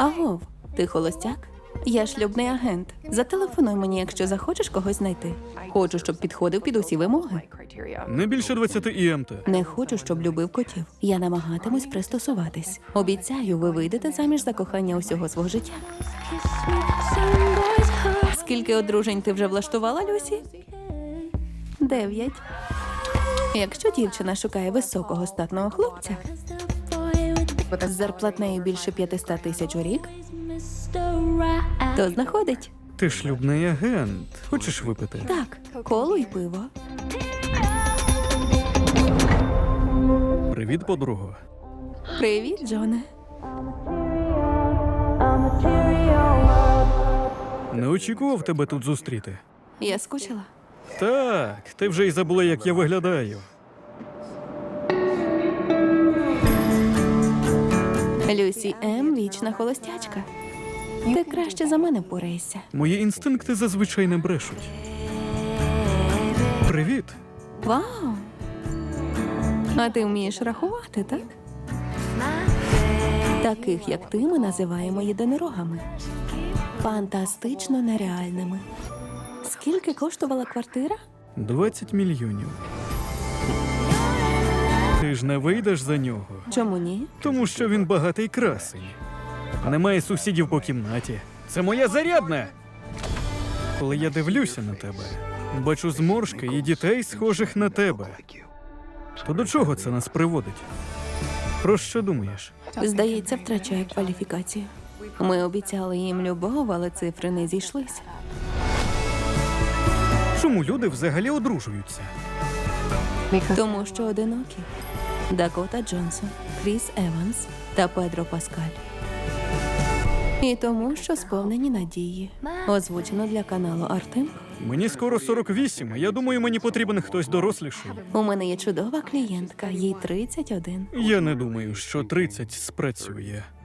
Агов, ти холостяк? Я шлюбний агент. Зателефонуй мені, якщо захочеш когось знайти. Хочу, щоб підходив під усі вимоги. Не більше 20 ІМТ. Не хочу, щоб любив котів. Я намагатимусь пристосуватись. Обіцяю, ви вийдете заміж за кохання усього свого життя. Скільки одружень ти вже влаштувала, Люсі? 9. Якщо дівчина шукає високого статного хлопця з зарплатнею більше 500 тисяч у рік, то знаходить. Ти шлюбний агент. Хочеш випити? Так, коло й пиво. Привіт, подруго. Привіт, Джоне. Не очікував тебе тут зустріти. Я скучила. Так, ти вже й забула, як я виглядаю. Люсі М. вічна холостячка. Ти краще за мене впораєшся. Мої інстинкти зазвичай не брешуть. Привіт. Вау! А ти вмієш рахувати, так? Таких, як ти, ми називаємо єдинорогами. Фантастично нереальними. Скільки коштувала квартира? 20 мільйонів. Ти ж не вийдеш за нього, Чому ні? тому що він багатий красень. Немає сусідів по кімнаті. Це моя зарядна! Коли я дивлюся на тебе, бачу зморшки і дітей, схожих на тебе. То до чого це нас приводить? Про що думаєш? Здається, втрачає кваліфікацію. Ми обіцяли їм любов, але цифри не зійшлися. Чому люди взагалі одружуються? Тому що одинокі. Дакота Джонсон, Кріс Еванс та Педро Паскаль. І тому, що сповнені надії. Озвучено для каналу Артем. Мені скоро 48, а я думаю, мені потрібен хтось доросліший. У мене є чудова клієнтка, їй 31. Я не думаю, що 30 спрацює.